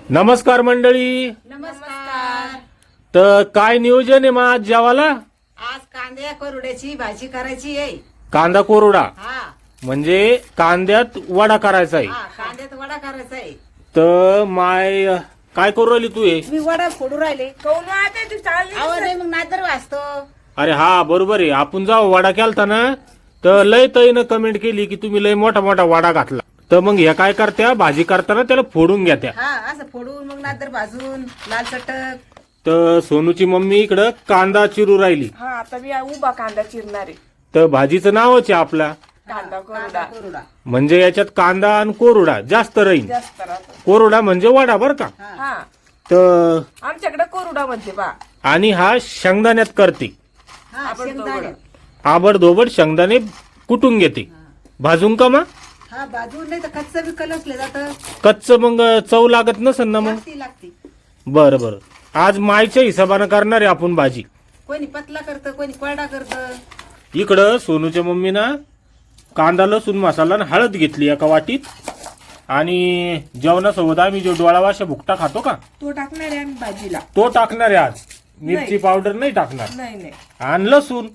नमस्कार मंडळी. नमस्कार. तर काय नियोजन आहे मग आज जेवायला? आज कांद्या कोरड्याची भाजी करायची आहे. कांदा कोरडा हा म्हणजे कांद्यात वडा करायचा आहे. हा कांद्यात वडा करायचा आहे. तर माय काय करू राहिली तू हे? मी वडा फोडू राहिले. कोण वाहते तू चालली आवाज नाही मग नादर वाचतो. अरे हा बरोबर आहे. आपण जाऊ वडा केलता ना, तर लय तईनं कमेंट केली की तुम्ही लय मोठा मोठा वडा घातला. तर मग ह्या काय करत्या, भाजी करताना त्याला फोडून घ्या त्या. हा असं फोडून मग नादर भाजून लाल चटक. तर सोनूची मम्मी इकडं कांदा चिरू राहिली. हा आता मी उभा कांदा चिरणार आहे. तर भाजीचं नावच आहे आपला, कांदा कांदा कोरडा कोरडा. म्हणजे याच्यात कांदा आणि कोरडा जास्त राहील. जास्त राहतो. कोरडा म्हणजे वडा बर का. हा तर आमच्याकडे कोरडा म्हणते बा. आणि हा शेंगदाण्यात करते. हा आपण शेंगदाणे. आबडधोबड शेंगदाणे कुटून घेते. भाजून का मग? हा भाजून नाही तर कच्चं बी कलसले जात. कच्च मग चव लागत नसन ना मग. लागती. बरं बरं. आज मायच्या हिशोबानं करणार आहे आपण भाजी. कोणी पतला करतं कोणी कोरडा करतं. इकडं सोनूच्या मम्मीनं कांदा लसूण मसाला आणि हळद घेतली एका वाटीत. आणि जेवणासोबत आम्ही जो डोळा वाशा भुकटा खातो का, तो टाकणार आहे आम्ही भाजीला. तो टाकणार आहे आज. मिरची पावडर नाही टाकणार. नाही आणि लसूण.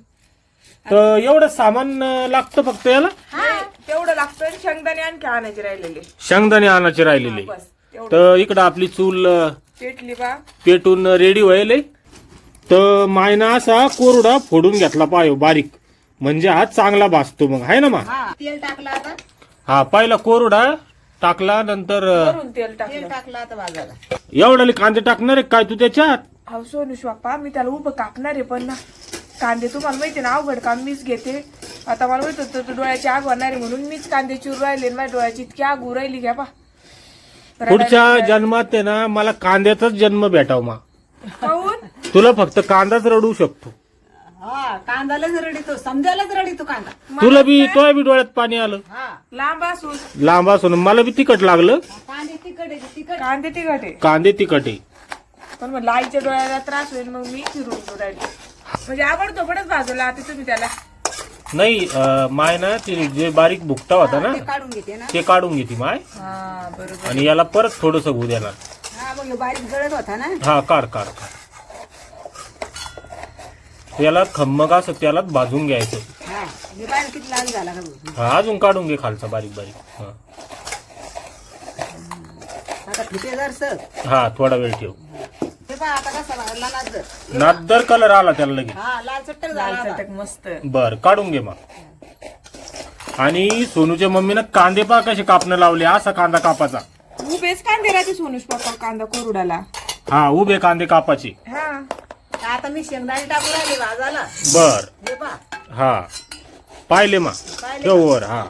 तर एवढं सामान लागतं फक्त याला. तेवढं लागतं आणि शेंगदाणे आणखी आणायचे राहिलेले. शेंगदाणे आणायचे राहिलेले. बस तेवढं तर इकडं आपली चूल पेटली बा. पेटून रेडी व्हायले. तर मायना असा कोरडा फोडून घेतला पाहिजे बारीक, म्हणजे हा चांगला भाजतो मग, आहे ना मा? हा तेल टाकलं आता. हा पहिला कोरडा टाकला, नंतर वरून तेल तेल टाकलं. टाकलं आता भाजायला. एवढाले कांदे टाकणार आहे काय तू त्याच्यात? हा सोनूश बाप्पा मी त्याला उभं कापणार आहे, पण ना कांदे तुम्हाला माहिती ना अवघड काम मीच घेते. आता मला माहित होतं तू डोळ्याची आग होणार आहे म्हणून मीच कांदे चिरू राहिले. माझ्या डोळ्याची इतकी आग उरायली राहिली घ्या पा. पुढच्या जन्मात आहे ना मला कांद्याचाच जन्म भेटाव मा. खाऊन तुला फक्त कांदाच रडू शकतो. हा कांदालाच रडीतो, समजायलाच रडीतो कांदा. तुला बी तुला बी डोळ्यात पाणी आलं. हा लांब असून लांब असून मला बी तिखट लागलं. कांदे तिखट आहे तिखट. कांदे तिखट आहे, कांदे तिखट आहे. पण मग लाईच्या डोळ्याला त्रास होईल मग मी चिरून राहिले. म्हणजे आवडतो पणच भाजवला आता तुम्ही त्याला. नाही माय ना ते जे बारीक भुकटा होता ना ते काढून घेते ना. ते काढून घेते माय. हा बरोबर. आणि याला परत थोडस होऊ देणार. हा मग ह्यो बारीक गळत होता ना. हा काढ काढ काढ. त्याला खम्मग असं त्याला भाजून घ्यायचं. हा हे बारीक किती लाल झाला का बघ. हा अजून काढून घे खालचा बारीक बारीक. हा. आता फिटे जरसं. हा थोडा वेळ ठेव. हे पहा आता कसा लागला नादर. नादर कलर आला त्याला लगेच. हा लाल चट्टक झाला लाल आता. चटक मस्त. बर काढून घे मग. आणि सोनूच्या मम्मीनं कांदे पा कसे कापणं लावले. असा कांदा कापाचा. उभेच कांदे राहते सोनूश पप्पा कांदा कोरडाला. हा उभे कांदे कापाचे. हा आता मी शेंगदाणे टाकून राहिले भाजाला. बर हे पहा हा पाहिले मा पाहिले ठेव वर. हा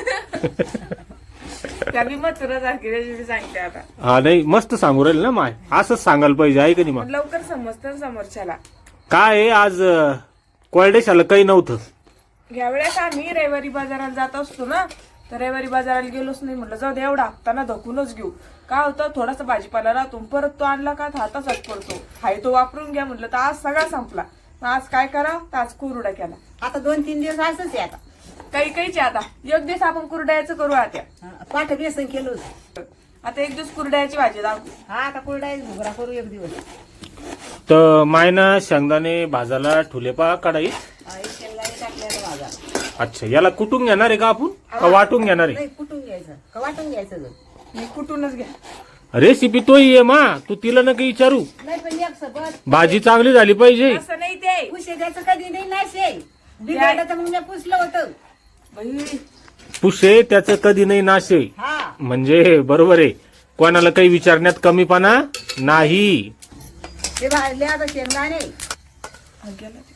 त्या मी मग तुला सारखी रेसिपी सांगते आता. हा नाही मस्त सांगू राहील ना माय. असंच सांगायला पाहिजे आहे का नाही मग. पण लवकर समजतं ना समोरच्याला. काय आहे आज कोरडेशाला काही नव्हतं. या वेळेस आम्ही रविवारी बाजाराला जात असतो ना, तर रविवारी बाजाराला गेलोच नाही. म्हटलं जाऊ दे एवढा हप्ताना धकूनच घेऊ. काय होतं थोडासा भाजीपाला राहतो, परत तो आणला का हाताचाच पडतो. हाय तो वापरून घ्या म्हटलं तर आज सगळा संपला. मग आज काय करा तर आज कुरडा केला. आता 2-3 दिवस असंच आहे आता. काहीचे आता एक दिवस आपण कुरड्याचं करू आता. पाठ बेसन केलं होतं. आता एक दिवस कुरड्याची भाजी दाखवू. हा आता कुरडा घुगरा करू एक दिवस. तर मायना शेंगदाणे भाजायला ठुले पा कढाईत. हा, एक शेंगदाणे टाकले आता भाजा. अच्छा याला कुटून घेणार आहे का आपण का वाटून घेणार आहे? नाही कुटून घ्यायचं का वाटून घ्यायचं गं? मी कुठूनच घ्या. रेसिपी तोही आहे मा. तू तिला नका विचारू. नाही पण एक सोबत भाजी चांगली झाली पाहिजे. असं नाही ते पुशे द्यायचं कधी नाही नाशे. बिघडलं तर मग मी पुसलं होतं. बाई, पुशे त्याचं कधी नाही नाशे. हा म्हणजे बरोबर आहे. कोणाला काही विचारण्यात कमीपणा नाही. ते भाजले आता शेंगदाणे. हा, गेला ते.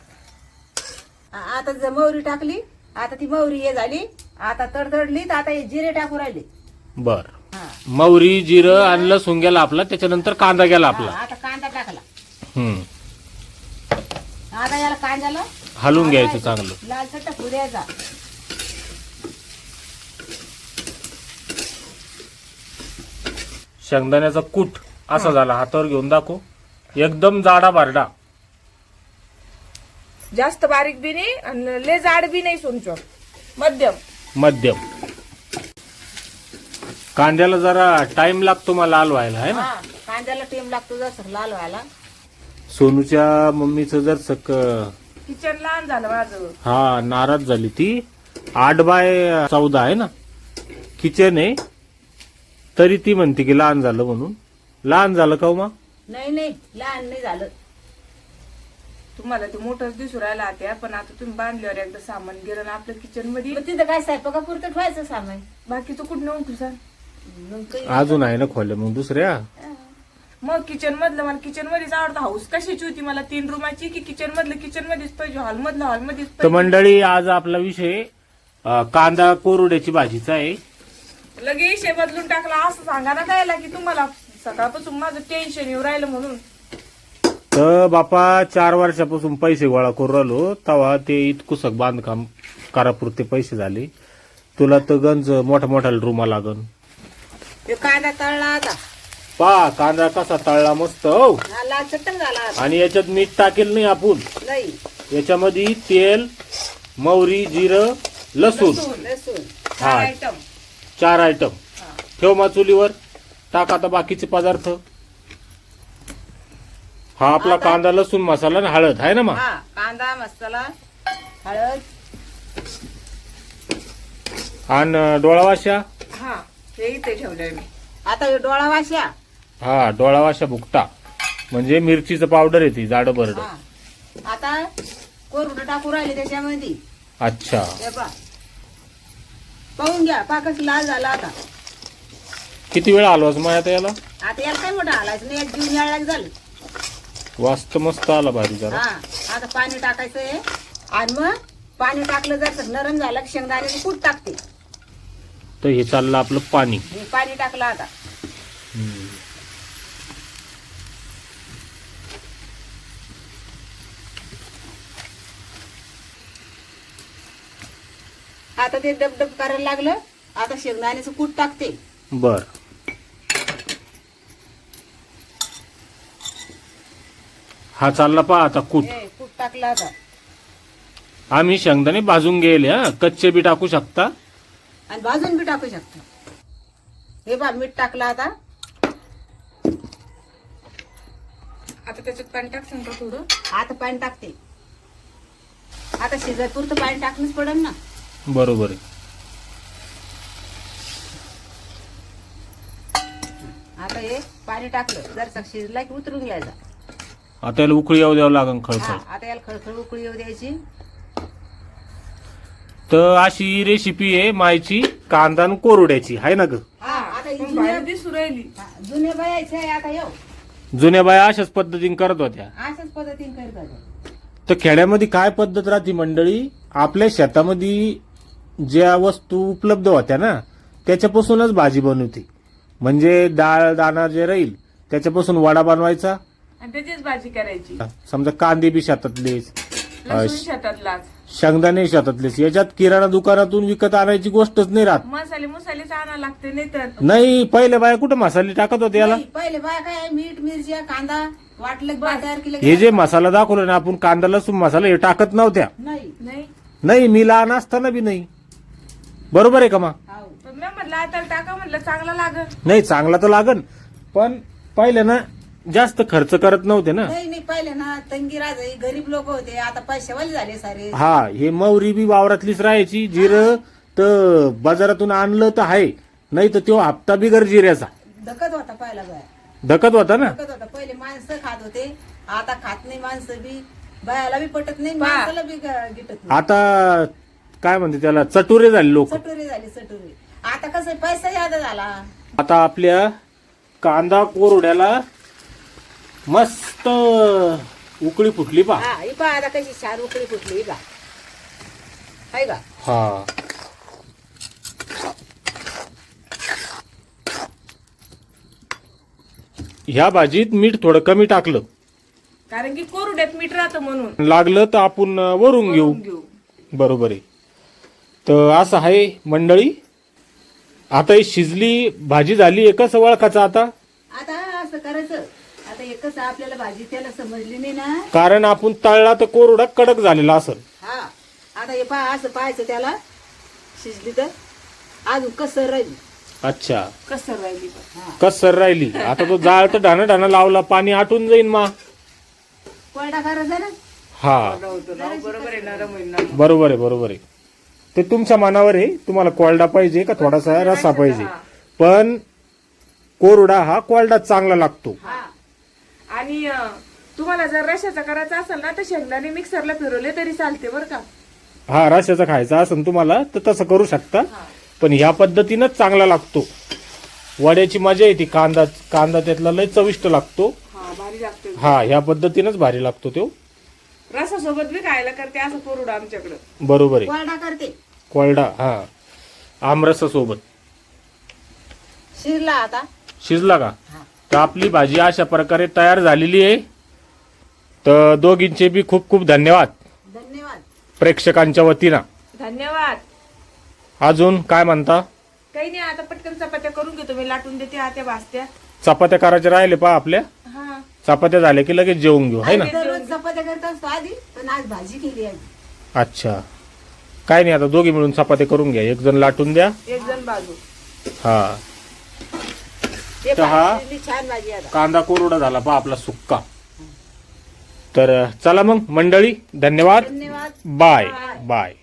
आता जर मोहरी टाकली. आता ती मोहरी हे झाली. आता तडतडली तर आता हे जिरे टाकू राहिले. बर हा मौरी जिरं आणि लसूण गेला आपला. त्याच्यानंतर कांदा गेला आपला. हा, आता कांदा टाकला. हम्म आता याला कांद्याला हलवून घ्यायचं चांगलं. लाल चट्टा फुल द्यायचा. शेंगदाण्याचा कूट असा झाला. हातावर घेऊन दाखव. एकदम जाडा बारडा. जास्त बारीक बी नाही आणि लय जाड बी नाही सोनचॉप. मध्यम. मध्यम. कांद्याला जरा टाइम लागतो मला लाल व्हायला आहे ना. हा कांद्याला टेम लागतो जसं लाल व्हायला. सोनूच्या मम्मीचं जर सक किचन लहान झालं माझं. हा नाराज झाली ती. 8x14 आहे ना किचन आहे, तरी ती म्हणते की लहान झालं म्हणून. लहान झालं का हो मा? नाही नाही लहान नाही झालं. तुम्हाला ते मोठंच दिसू राहिला त्या, पण आता तुम्ही बांधल्यावर एकदा सामान गेलं ना आपल्या किचन मध्ये. मग तिथं काय स्वयंपाकापुरतं ठेवायचं सामान. बाकीचं कुठं नेऊन तुझा. मग काही- अजून आहे ना खोल्या मग दुसऱ्या. मग किचन मधलं मला किचन मध्येच आवडतं. हाऊस कशाची होती मला 3 रूमाची की किचन मधलं किचन मध्येच पाहिजे, हॉल मधलं हॉल मध्येच तर पाहिजे. मंडळी आज आपला विषय कांदा कोरड्याची भाजीचा आहे. लगे विषय बदलून टाकला असं सांगा ना कायला की तुम्हाला सकाळपासून माझं टेन्शन येऊ राहिलं म्हणून. तर बापा 4 वर्षापासून पैसे गोळा करू राहिलो, तेव्हा ते इतकुसक बांधकाम करापुरते पैसे झाले. तुला तर गंज मोठा मोठा रूमा लागन. हे कांदा तळला आता. पा कांदा कसा तळला मस्त हो. हा, लाल चटण झाला आता. आणि याच्यात मीठ टाकेल नाही आपण. नाही याच्यामध्ये तेल, मोहरी, जिरं, लसूण लसूण हा. आयटम 4 आयटम ठेव मा चुलीवर. टाक आता बाकीचे पदार्थ. हा आपला कांदा लसूण मसाला आणि हळद आहे ना मा. हा कांदा मसाला हळद आणि डोळावाशा. हा हे इथे ठेवलंय मी. आता हे डोळा वाशा. हा डोळावाशा भुकटा म्हणजे मिरचीचं पावडर येते जाडं बरड. हा आता कोरडं टाकू राहिले त्याच्यामध्ये. अच्छा हे पहा. पाहून घ्या पाकच लाल झाला आता. किती वेळ आलोच मग आता याला. आता याला काय मोठं हालायचं नाही, एक जीवन यायला झालं. वास्त मस्त आला भारी जरा. हा आता पाणी टाकायचंय आणि मग पाणी टाकलं जर नरम झालं की शेंगदाण्याचं कूट टाकते. तर हे चाललं आपलं पाणी. हे पाणी टाकलं आता. आता ते डबडब करायला लागलं. आता शेंगदाण्याचं कूट टाकते. बर हा चालला पहा आता कूट. हे कूट टाकलं आता. आम्ही शेंगदाणे भाजून गेले हा, कच्चे बी टाकू शकता. आणि भाजून बी टाकू शकतो. हे बा मीठ टाकलं आता. आता त्याच्यात पाणी टाकसान का थोडं. आता पाणी टाकते. आता शिजाय पुरतं पाणी टाकणंच पडेल ना. बरोबर आहे. आता हे पाणी टाकलं जर शिजला की उतरून घ्यायचा. आता याला उकळी येऊ द्यावं लागेल हा खळखळ. आता याला खळखळ उकळी येऊ द्यायची. तर अशी रेसिपी आहे मायची कांदा आणि कोरड्याची आहे ना ग. हा आता ही पण बाहेर दिसू राहिली. जुन्या बायाचे आहे आता येऊ. जुन्या बाया अशाच पद्धतीने करत होत्या. अशाच पद्धतीने करत होत्या. तर खेड्यामध्ये काय पद्धत राहते मंडळी, आपल्या शेतामध्ये ज्या वस्तू उपलब्ध होत्या ना त्याच्यापासूनच भाजी बनवते. म्हणजे डाळ दाणा जे राहील त्याच्यापासून वडा बनवायचा. आणि त्याचीच भाजी करायची. समजा कांदे बी शेतातलेच, लसूण शेतातलाच. शेंगदाणे शेतातलेच. याच्यात किराणा दुकानातून विकत आणायची गोष्टच नाही राहत. मसालेच आणावं लागते नाही तर. नाही पहिले बाया कुठे मसाले टाकत होते याला. नाही, पहिले बाया काय मीठ मिरची कांदा वाटलं की बा तयार केलं हे जे मसाला दाखवला ना आपण कांदा लसूण मसाला हे टाकत नव्हत्या. नाही नाही नाही मी लहान असताना बी नाही. बरोबर आहे का मा. हाव. पण मी म्हटलं आता टाका म्हटलं चांगला लागल. नाही चांगला तर लागन, पण पहिले ना जास्त खर्च करत नव्हते ना. नाही नाही पहिले ना तंगी राजाई गरीब लोक होते. आता पैसेवाले झाले सारे. हा हे मोहरी बी वावरातलीच राहायची. जिरं तर बाजारातून आणलं तर आहे, नाही तर तो हप्ता बिगर जिऱ्याचा धकत होता पहिला बाया. धकत होता ना. धकत होता. पहिले माणसं खात होते. आता खात नाही माणसं बी. बायाला बी पटत नाही बा. माणसाला बी गिटत नाही. आता काय म्हणते त्याला चटुरे झाले लोक. सटोरी झाली सटोरी. आता कसं पैसा याद झाला. आता आपल्या कांदा कोरड्याला मस्त उकळी फुटली पा. हा ही पहा आता कशी छान उकळी फुटली ही पहा. हाय का. हा ह्या भाजीत मीठ थोडं कमी टाकलं, कारण की कोरड्यात मीठ राहतं म्हणून. लागलं तर आपण वरून घेऊ. बरोबर आहे. तर असं आहे मंडळी. आता ही शिजली भाजी झाली एकच ओळखाचं आता. आता असं करायचं. आता एकच आपल्याला भाजी त्याला समजली नाही ना. कारण आपण तळला तर कोरडा कडक झालेला असेल. हा आता हे पहा असं पाहायचं त्याला शिजली तर अजून कसं राहील. अच्छा, कसर राहिली पण. कसर राहिली. आता तो जाळ तर ढाणं लावला, पाणी आटून जाईन मा. कोरडा करायचा ना. हा होतं ना, बरोबर आहे, नरम होईल ना. बरोबर आहे. ते तुमच्या मनावर आहे, तुम्हाला कोरडा पाहिजे का थोडासा रसा पाहिजे. पण कोरडा हा कोरडा चांगला लागतो. हा. आणि तुम्हाला जर रशाचा करायचा असेल ना तर शेंगदाणे मिक्सरला फिरवले तरी चालते बरं का. हा, रशाचा खायचा असेल तुम्हाला तर तसं करू शकता. पण ह्या पद्धतीनंच चांगला लागतो. वड्याची मजा येते. कांदा त्यातला लय चविष्ट लागतो. हा, भारी लागते. हा, ह्या पद्धतीनंच भारी लागतो तो. रसासोबत बी खायला करते असं कोरडा आमच्याकडं. बरोबर आहे. कोरडा करते. कोरडा, हा, आमरसासोबत. शिरला आता. शिजला का? तर आपली भाजी अशा प्रकारे तयार झालेली आहे. तर दोघींचे बी खूप खूप धन्यवाद धन्यवाद. प्रेक्षकांच्या वतीनं. धन्यवाद. अजून काय म्हणता? काही नाही, आता पटकन चपात्या करून घेतो मी, लाटून देते आत्या भाजत्या. चपात्या करायच्या राहिले पा आपल्या. हा, चपात्या झाल्या की लगेच जेवून घेऊ, है ना? दररोज चपात्या करत असतो आधी, पण आज भाजी केली आहे. अच्छा, काय नाही, आता दोघी मिळून चपात्या करून घ्या. एक जण लाटून द्या. एक जण बाजू. हा, ते तर हा भाजी शिजली, छान भाजी आता. कांदा कोरडा झाला पा आपला सुक्का. तर चला मग मंडळी, धन्यवाद. धन्यवाद. Bye bye.